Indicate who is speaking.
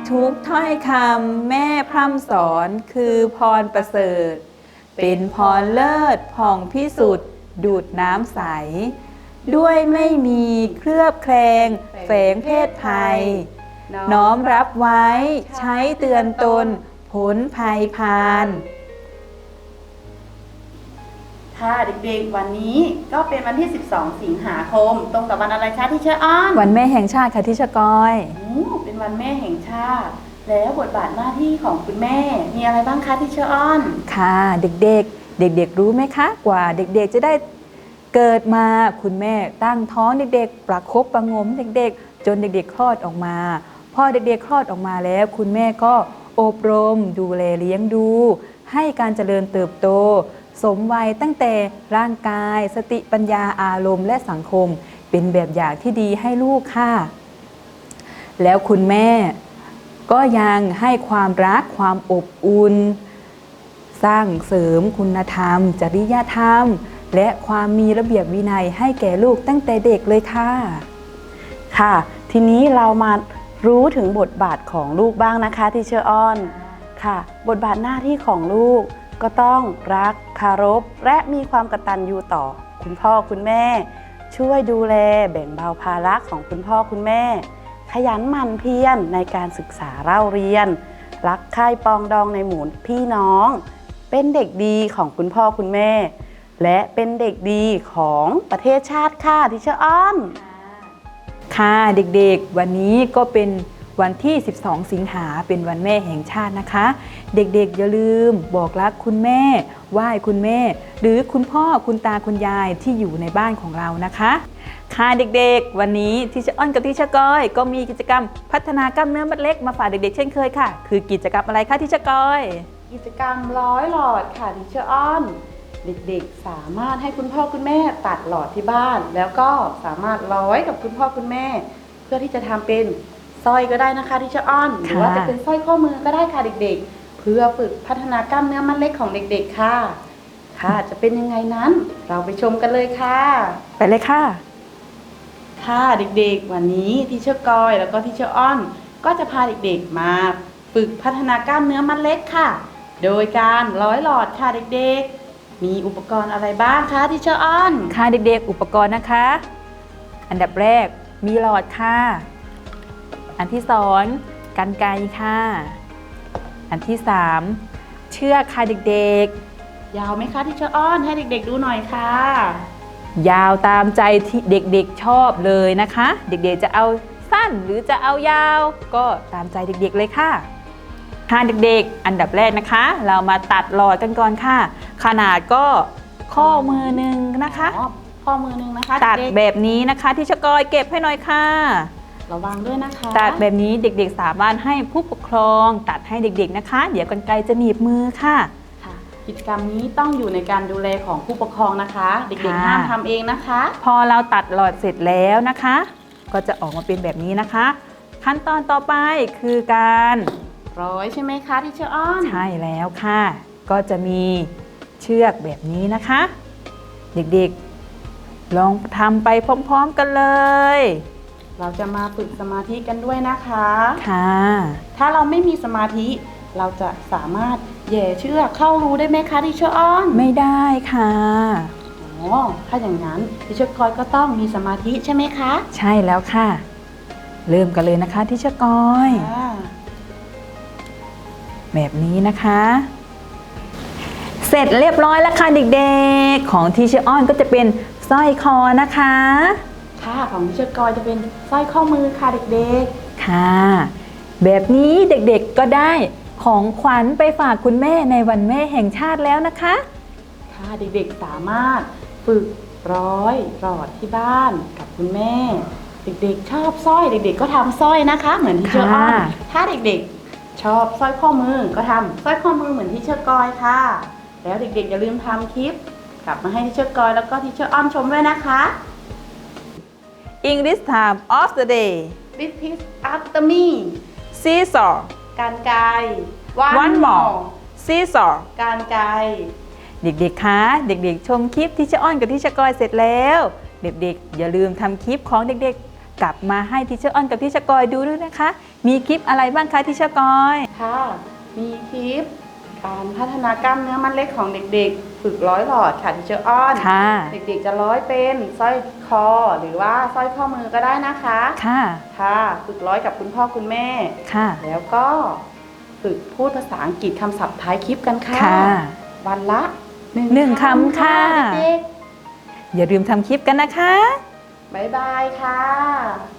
Speaker 1: ทุกถ้อยคำแม่พร่ำสอนคือพรประเสริฐเป็นพรเลิศผ่องพิสุทธิ์ดูดน้ำใสด้วยไม่มีเคลือบแคลงแฝงเพศภัยน้อมรับไว้ใช้เตือนตนพ้นภัยพาน
Speaker 2: ค่ะเด็กๆวันนี้ก็เป็นวันที่ 12 สิงหาคมตรงกับวันอะไรคะที่เชอร์อ้อน
Speaker 1: วันแม่แห่งชาติค่ะที่เชอร์กอย
Speaker 2: เป็นวันแม่แห่งชาติแล้วบทบาทหน้าที่ของคุณแม่มีอะไรบ้างคะที่เชอร์อ้อน
Speaker 1: ค่ะเด็กๆรู้ไหมคะกว่าเด็กๆจะได้เกิดมาคุณแม่ตั้งท้องเด็กๆประคบประงมเด็กๆจนเด็กๆคลอดออกมาพอเด็กๆคลอดออกมาแล้วคุณแม่ก็อบรมดูแลเลี้ยงดูให้การเจริญเติบโตสมวัยตั้งแต่ร่างกายสติปัญญาอารมณ์และสังคมเป็นแบบอย่างที่ดีให้ลูกค่ะแล้วคุณแม่ก็ยังให้ความรักความอบอุ่นสร้างเสริมคุณธรรมจริยธรรมและความมีระเบียบวินัยให้แก่ลูกตั้งแต่เด็กเลยค่ะ
Speaker 2: ค่ะทีนี้เรามารู้ถึงบทบาทของลูกบ้างนะคะที่เชอร์อ้อนค่ะบทบาทหน้าที่ของลูกก็ต้องรักเคารพและมีความกตัญญูต่อคุณพ่อคุณแม่ช่วยดูแลแบ่งเบาภาระของคุณพ่อคุณแม่ขยันหมั่นเพียรในการศึกษาเล่าเรียนรักใคร่ปองดองในหมู่พี่น้องเป็นเด็กดีของคุณพ่อคุณแม่และเป็นเด็กดีของประเทศชาติค่ะที่เชอร์อ้อน
Speaker 1: ค่ะเด็กๆวันนี้ก็เป็นวันที่12สิงหาเป็นวันแม่แห่งชาตินะคะเด็กๆอย่าลืมบอกรักคุณแม่ไหว้คุณแม่หรือคุณพ่อคุณตาคุณยายที่อยู่ในบ้านของเรานะคะค่ะเด็กๆวันนี้ที่เชอร์อ้อนกับที่เชอร์กอยก็มีกิจกรรมพัฒนากล้ามเนื้อมัดเล็กมาฝากเด็กๆเช่นเคยค่ะคือกิจกรรมอะไรคะที่เชอร์กอย
Speaker 2: กิจกรรมร้อยหลอดค่ะที่เชอร์อ้อนเด็กๆสามารถให้คุณพ่อคุณแม่ตัดหลอดที่บ้านแล้วก็สามารถร้อยกับคุณพ่อคุณแม่เพื่อที่จะทำเป็นสร้อยก็ได้นะคะที่เชอร์อ้อนหรือว่าจะเป็นสร้อยข้อมือก็ได้ค่ะเด็กๆเพื่อฝึกพัฒนากล้ามเนื้อมัดเล็กของเด็กๆค่ะค่ะจะเป็นยังไงนั้นเราไปชมกันเลยค่ะ
Speaker 1: ไปเลยค่ะ
Speaker 2: ค่ะเด็กๆวันนี้ที่เชอร์กอยแล้วก็ที่เชอร์อ้อนก็จะพาเด็กๆมาฝึกพัฒนากล้ามเนื้อมัดเล็กค่ะโดยการร้อยหลอดค่ะเด็กๆมีอุปกรณ์อะไรบ้างคะที่เชอร์อ้อน
Speaker 1: ค่ะเด็กๆอุปกรณ์นะคะอันดับแรกมีหลอดค่ะอันที่สองกรรไกรค่ะอันที่สามเชือกค่ะเด็ก
Speaker 2: ๆยาวไหมคะที่เชอร์อ้อนให้เด็กๆดูหน่อยค่ะ
Speaker 1: ยาวตามใจที่เด็กๆชอบเลยนะคะเด็กๆจะเอาสั้นหรือจะเอายาวก็ตามใจเด็กๆเลยค่ะค่ะเด็กๆอันดับแรกนะคะเรามาตัดหลอดกันก่อนค่ะขนาดก็ข้อมือหนึ่งนะคะ
Speaker 2: ข้อมือหนึ่งนะคะ
Speaker 1: ตัดแบบนี้นะคะที่เชอร์กอยเก็บให้หน่อยค่ะ
Speaker 2: ระวังด้วยนะคะ
Speaker 1: ตัดแบบนี้เด็กๆสามารถให้ผู้ปกครองตัดให้เด็กๆนะคะเดี๋ยวกรรไกรจะหนีบมือค่ะ
Speaker 2: กิจกรรมนี้ต้องอยู่ในการดูแลของผู้ปกครองนะคะเด็กๆห้ามทำเองนะคะ
Speaker 1: พอเราตัดหลอดเสร็จแล้วนะคะก็จะออกมาเป็นแบบนี้นะคะขั้นตอนต่อไปคือการ
Speaker 2: ร้อยใช่ไหมคะที่เชอร์อ้อน
Speaker 1: ใช่แล้วค่ะก็จะมีเชือกแบบนี้นะคะเด็กๆลองทำไปพร้อมๆกันเลย
Speaker 2: เราจะมาฝึกสมาธิกันด้วยนะคะ
Speaker 1: ค่ะ
Speaker 2: ถ้าเราไม่มีสมาธิเราจะสามารถแย่เชือกเข้ารูได้ไหมคะที่เชอร์อ้อน
Speaker 1: ไม่ได้ค่ะ
Speaker 2: ถ้าอย่างนั้นที่เชอร์กอยก็ต้องมีสมาธิใช่ไหมคะ
Speaker 1: ใช่แล้วค่ะเริ่มกันเลยนะคะที่เชอร์กอยแบบนี้นะคะเสร็จเรียบร้อยแล้วค่ะเด็กๆของที่เชอร์อ้อนก็จะเป็นสร้อยคอนะคะ
Speaker 2: ค่ะของที่เชอร์กอยจะเป็นสร้อยข้อมือค่ะเด็ก
Speaker 1: ๆค่ะแบบนี้เด็กๆก็ได้ของขวัญไปฝากคุณแม่ในวันแม่แห่งชาติแล้วนะคะ
Speaker 2: ค่ะเด็กๆสามารถฝึกร้อยหลอดที่บ้านกับคุณแม่เด็กๆชอบสร้อยเด็กๆก็ทำสร้อยนะคะเหมือนที่เชอร์อ้อนถ้าเด็กๆชอบสร้อยข้อมือก็ทำสร้อยข้อมือเหมือนที่เชอร์กอยค่ะแล้วเด็กๆอย่าลืมทำคลิปกลับมาให้ที่เชอร์กอยแล้วก็ที่เชอร์อ้อนชมด้วยนะคะ
Speaker 1: English time of the day
Speaker 2: Repeat after me
Speaker 1: Seesaw
Speaker 2: กรรไกร
Speaker 1: One more Seesaw
Speaker 2: กรรไกร
Speaker 1: เด็กๆคะเด็กๆชมคลิปที่เชอร์อ้อนกับที่เชอร์กอยเสร็จแล้วเด็กๆอย่าลืมทำคลิปของเด็กๆกลับมาให้ทีเชอร์อ้อนกับทีเชอร์กอยดูด้วยนะคะ มีคลิปอะไรบ้างคะทีเชอร์กอย
Speaker 2: ค่ะ มีคลิปการพัฒนากล้ามเนื้อมัดเล็กของเด็กๆ ฝึกร้อยหลอดค่ะที่เชออ้อน
Speaker 1: ค่ะ
Speaker 2: เด็กๆจะร้อยเป็นสร้อยคอหรือว่าสร้อยข้อมือก็ได้นะคะ
Speaker 1: ค่ะ
Speaker 2: ค่ะ ฝึกร้อยกับคุณพ่อคุณแม่
Speaker 1: ค่ะ
Speaker 2: แล้วก็ฝึกพูดภาษาอังกฤษคำศัพท์ท้ายคลิปกันค่ะ
Speaker 1: ค่ะ
Speaker 2: วันละ
Speaker 1: หนึ่งคำค่ะ
Speaker 2: เด็ก
Speaker 1: อย่าลืมทำคลิปกันนะคะ
Speaker 2: ๆบ๊ายบายค่ะ